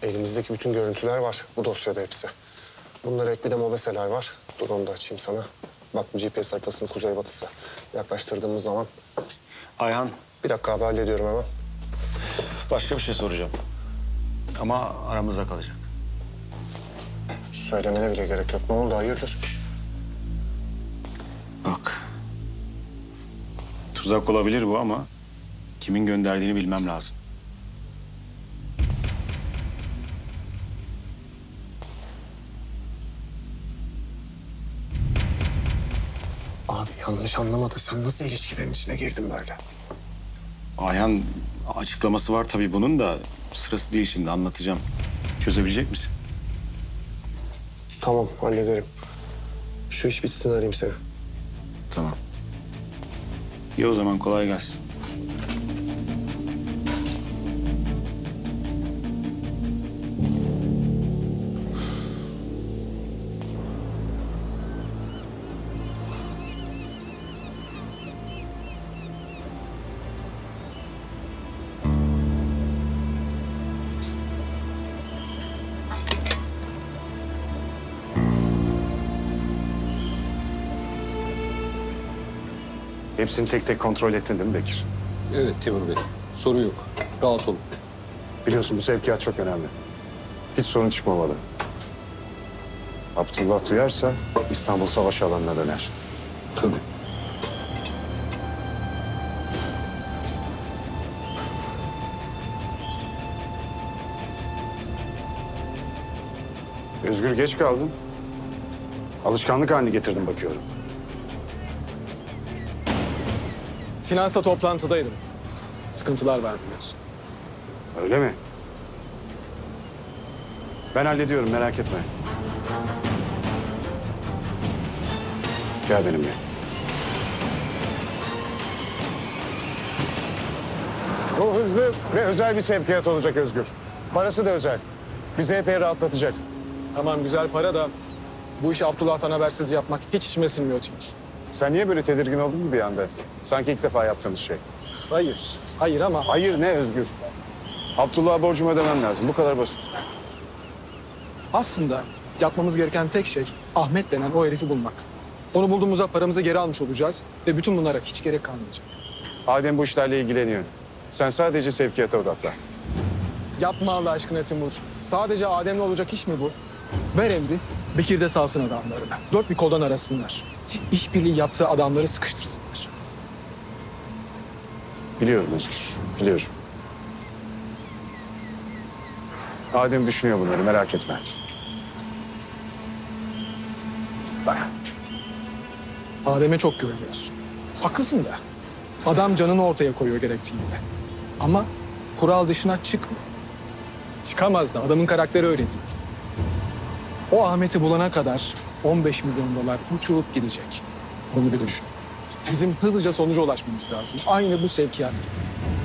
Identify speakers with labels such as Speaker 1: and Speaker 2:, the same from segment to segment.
Speaker 1: Elimizdeki bütün görüntüler var. Bu dosyada hepsi. Bunlara ek bir de mobeseler var. Dur onu da açayım sana. Bak bu GPS haritasının kuzeybatısı. Yaklaştırdığımız zaman...
Speaker 2: Ayhan,
Speaker 1: Bir dakika abi hallediyorum hemen.
Speaker 2: başka bir şey soracağım. Ama aramızda kalacak.
Speaker 1: Söylemene bile gerek yok. Ne oldu hayırdır?
Speaker 2: Bak. Tuzak olabilir bu ama kimin gönderdiğini bilmem lazım.
Speaker 1: Abi yanlış anlama da sen nasıl ilişkilerin içine girdin böyle?
Speaker 2: Ayhan açıklaması var tabii bunun da sırası değil şimdi anlatacağım. Çözebilecek misin?
Speaker 1: Tamam hallederim. Şu iş bitsin arayayım seni.
Speaker 2: Tamam. İyi o zaman kolay gelsin.
Speaker 3: Hepsini tek tek kontrol ettin değil mi Bekir?
Speaker 4: Evet Timur Bey. Soru yok. Rahat olun.
Speaker 3: Biliyorsun bu sevkiyat çok önemli. Hiç sorun çıkmamalı. Abdullah duyarsa İstanbul savaş alanına döner.
Speaker 4: Tabii.
Speaker 3: Özgür geç kaldın. Alışkanlık haline getirdim bakıyorum.
Speaker 4: Finansa toplantıdaydım. Sıkıntılar var biliyorsun.
Speaker 3: Öyle mi? Ben hallediyorum merak etme. Gel benimle. Bu hızlı ve özel bir sevkiyat olacak Özgür. Parası da özel. Bizi epey rahatlatacak.
Speaker 4: Tamam güzel para da bu işi Abdullah'tan habersiz yapmak hiç içime sinmiyor Timur.
Speaker 3: Sen niye böyle tedirgin oldun mu bir anda? Sanki ilk defa yaptığımız şey.
Speaker 4: Hayır. Hayır ama
Speaker 3: Hayır ne Özgür? Abdullah'a borcumu ödemem lazım. Bu kadar basit.
Speaker 4: aslında yapmamız gereken tek şey Ahmet denen o herifi bulmak. Onu bulduğumuzda paramızı geri almış olacağız ve bütün bunlara hiç gerek kalmayacak.
Speaker 3: Adem bu işlerle ilgileniyor. Sen sadece sevkiyata odaklan.
Speaker 4: Yapma Allah aşkına Timur. Sadece Adem'le olacak iş mi bu? Ver emri, Bekir de salsın adamlarını. Dört bir koldan arasınlar. İşbirliği yaptığı adamları sıkıştırsınlar.
Speaker 3: Biliyorum Özgür, biliyorum. Adem düşünüyor bunları, merak etme.
Speaker 4: Bak. Adem'e çok güveniyorsun. Haklısın da. Adam canını ortaya koyuyor gerektiğinde. Ama kural dışına çıkma. Çıkamaz da. Adamın karakteri öyle değil. O Ahmet'i bulana kadar 15 milyon dolar uçurup gidecek. Bunu bir düşün. Bizim hızlıca sonuca ulaşmamız lazım. Aynı bu sevkiyat gibi.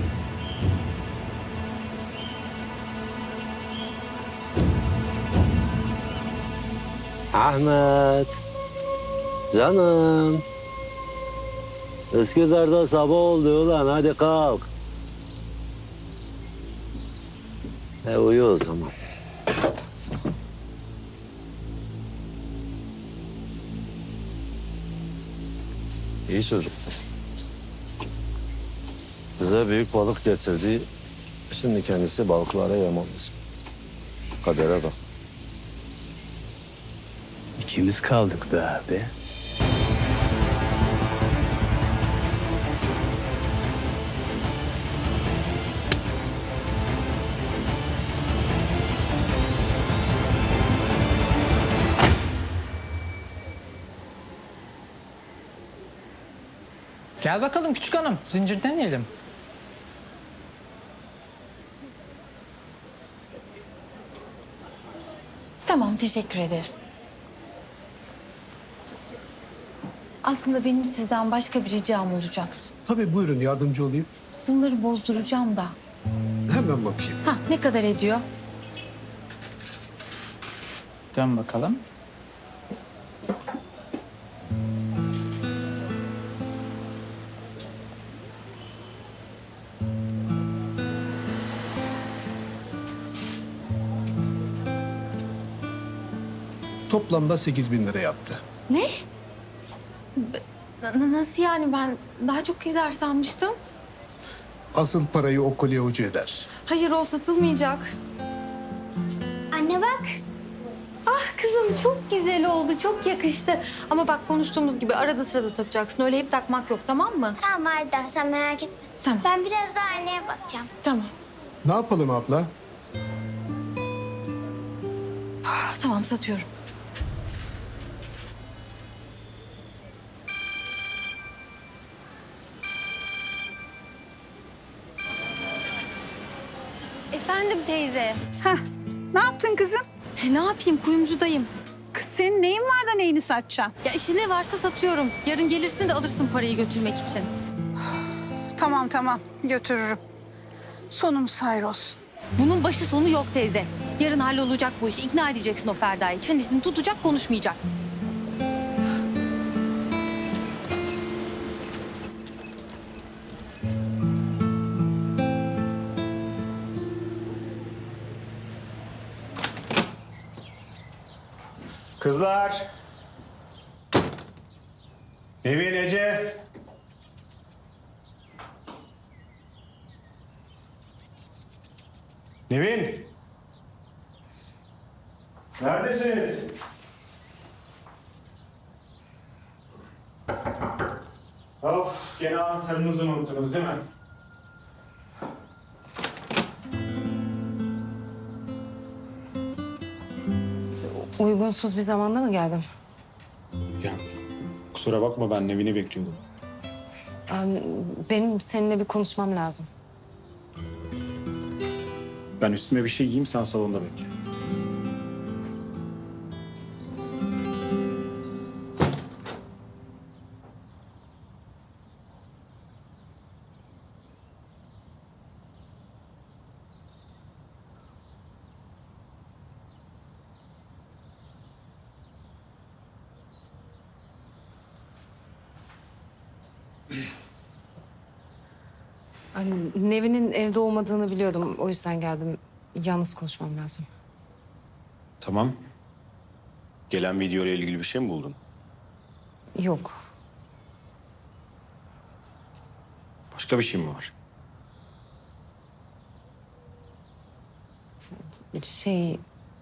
Speaker 5: Ahmet. Canım. Üsküdar'da sabah oldu ulan hadi kalk. Uyu o zaman. İyi çocuk. Bize büyük balık getirdi. Şimdi kendisi balıklara yem olacak. Kadere bak. İkimiz kaldık be abi.
Speaker 6: Gel bakalım küçük hanım, zincirden yiyelim.
Speaker 7: Tamam, teşekkür ederim. Aslında benim sizden başka bir ricam olacaktı.
Speaker 8: Tabii buyurun yardımcı olayım.
Speaker 7: Bunları bozduracağım da.
Speaker 8: Hemen bakayım.
Speaker 7: Ne kadar ediyor?
Speaker 6: Dön bakalım.
Speaker 8: Toplamda 8.000 lira yaptı.
Speaker 7: Ne? Nasıl yani, ben daha çok eder sanmıştım.
Speaker 8: Asıl parayı o kolye ucu eder.
Speaker 7: Hayır, o satılmayacak.
Speaker 9: Anne bak.
Speaker 7: Ah kızım, çok güzel oldu, çok yakıştı. Ama bak, konuştuğumuz gibi arada sırada takacaksın. Öyle hep takmak yok, tamam mı?
Speaker 9: Tamam Arda, sen merak etme.
Speaker 7: Tamam.
Speaker 9: Ben biraz daha anneye bakacağım.
Speaker 7: Tamam.
Speaker 3: Ne yapalım abla?
Speaker 7: Tamam, satıyorum. Efendim teyze.
Speaker 10: Ne yaptın kızım?
Speaker 7: Ne yapayım, kuyumcudayım.
Speaker 10: Kız senin neyin var da neyini satacaksın?
Speaker 7: Ya işi ne varsa satıyorum. Yarın gelirsin de alırsın parayı götürmek için.
Speaker 10: Tamam götürürüm. Sonumuz hayır olsun.
Speaker 7: Bunun başı sonu yok teyze. Yarın hallolacak bu iş. İkna edeceksin o Ferda'yı. Çenesini tutacak, konuşmayacak.
Speaker 2: Kızlar. Nevin, Ece. Nevin. Neredesiniz? Of, gene anahtarınızı unuttunuz değil mi?
Speaker 11: Uygunsuz bir zamanda mı geldim?
Speaker 2: Ya kusura bakma, ben Nevin'i bekliyordum.
Speaker 11: Benim seninle bir konuşmam lazım.
Speaker 2: Ben üstüme bir şey giyeyim, sen salonda bekle.
Speaker 11: Nevin'in evde olmadığını biliyordum. O yüzden geldim. Yalnız konuşmam lazım.
Speaker 2: Tamam. Gelen video ile ilgili bir şey mi buldun?
Speaker 11: Yok.
Speaker 2: Başka bir şey mi var?
Speaker 11: Şey,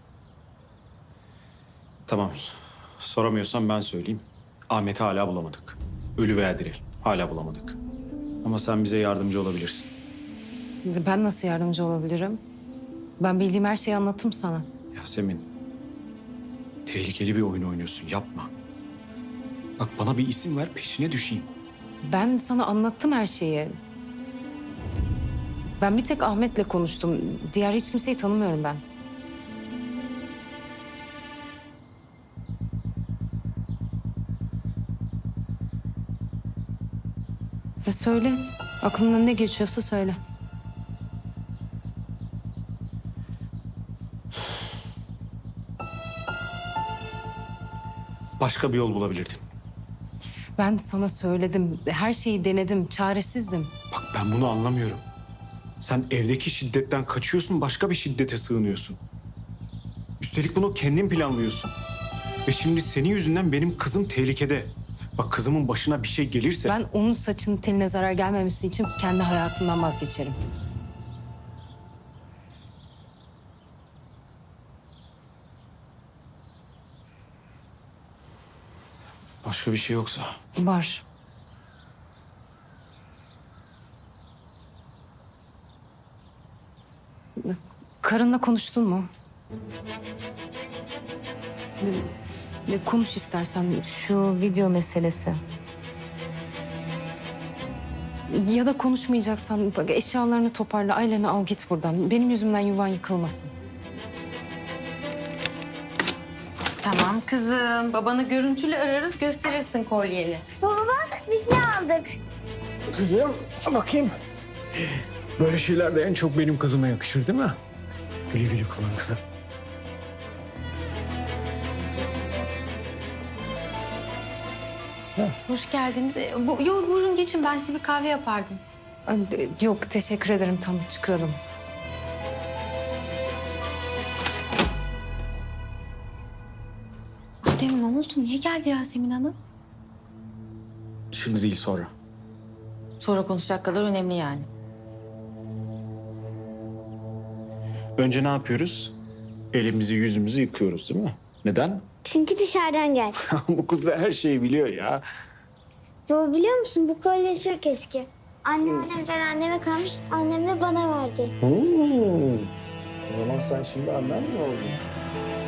Speaker 2: Tamam. Soramıyorsan ben söyleyeyim. Ahmet'i hala bulamadık. Ölü veya diri. Hala bulamadık. Ama sen bize yardımcı olabilirsin.
Speaker 11: ben nasıl yardımcı olabilirim? Ben bildiğim her şeyi anlattım sana.
Speaker 2: Yasemin, tehlikeli bir oyun oynuyorsun. Yapma. Bak, bana bir isim ver, peşine düşeyim.
Speaker 11: Ben sana anlattım her şeyi. Ben bir tek Ahmet'le konuştum. Diğer hiç kimseyi tanımıyorum ben. Söyle. Aklından ne geçiyorsa söyle.
Speaker 2: Başka bir yol bulabilirdin.
Speaker 11: Ben sana söyledim. Her şeyi denedim. Çaresizdim.
Speaker 2: Bak, ben bunu anlamıyorum. Sen evdeki şiddetten kaçıyorsun, başka bir şiddete sığınıyorsun. Üstelik bunu kendin planlıyorsun. Ve şimdi senin yüzünden benim kızım tehlikede. Bak, kızımın başına bir şey gelirse...
Speaker 11: Ben onun saçının teline zarar gelmemesi için kendi hayatımdan vazgeçerim.
Speaker 2: Başka bir şey yoksa...
Speaker 11: Var. Karınla konuştun mu? Konuş istersen şu video meselesi. Ya da konuşmayacaksan bak, eşyalarını toparla, aileni al git buradan. Benim yüzümden yuvan yıkılmasın.
Speaker 7: Tamam kızım. Babanı görüntülü ararız, gösterirsin kolyeni.
Speaker 9: Baba bak, biz ne aldık?
Speaker 8: Kızım bakayım. Böyle şeyler de en çok benim kızıma yakışır değil mi? Güle güle kullan kızım.
Speaker 7: Hoş geldiniz. Yok, buyurun geçin. Ben size bir kahve yapardım.
Speaker 11: Yok teşekkür ederim, tam çıkıyordum. Adem ne oldu? Niye geldi Yasemin Hanım?
Speaker 2: Şimdi değil, sonra.
Speaker 11: Sonra konuşacak kadar önemli yani.
Speaker 2: Önce ne yapıyoruz? Elimizi yüzümüzü yıkıyoruz değil mi? Neden?
Speaker 9: Çünkü dışarıdan gel.
Speaker 2: Bu kız da her şeyi biliyor ya.
Speaker 9: Baba biliyor musun bu kolye çok eski. Annemden anneme kalmış, annem de bana verdi.
Speaker 2: O zaman sen şimdi annen mi oldun?